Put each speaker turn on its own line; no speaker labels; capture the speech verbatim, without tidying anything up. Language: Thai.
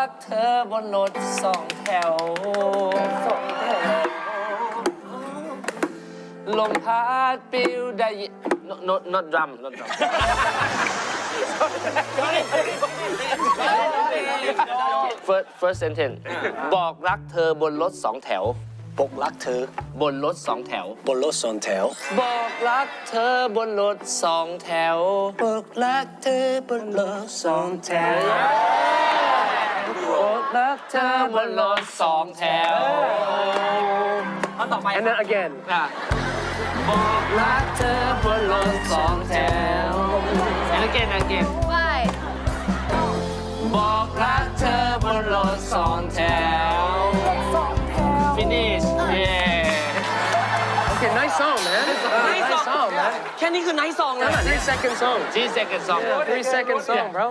กเธอบนรถสองแถวสองแถวลมพัดปิวได้ยิน not not drum not drum first first sentence บอกรักเธอบนรถสองแถว
บอกรักเธอบ
นรถสองแถว
บนรถสองแถว
บอกรักเธอบนรถสองแถว
บอกรักเธอบนรถสองแถว
บอกรักเธอบนรถสองแถวเอาต่อไป
and then again
ค่ะบอกรักเธอบนรถสองแถว and again again
ไป
บอกรักเธอบนรถสองแถว finish yeah
okay nice song man nice song man
แค่นี้คือ nice song นะ
three second song
three second song
three second song bro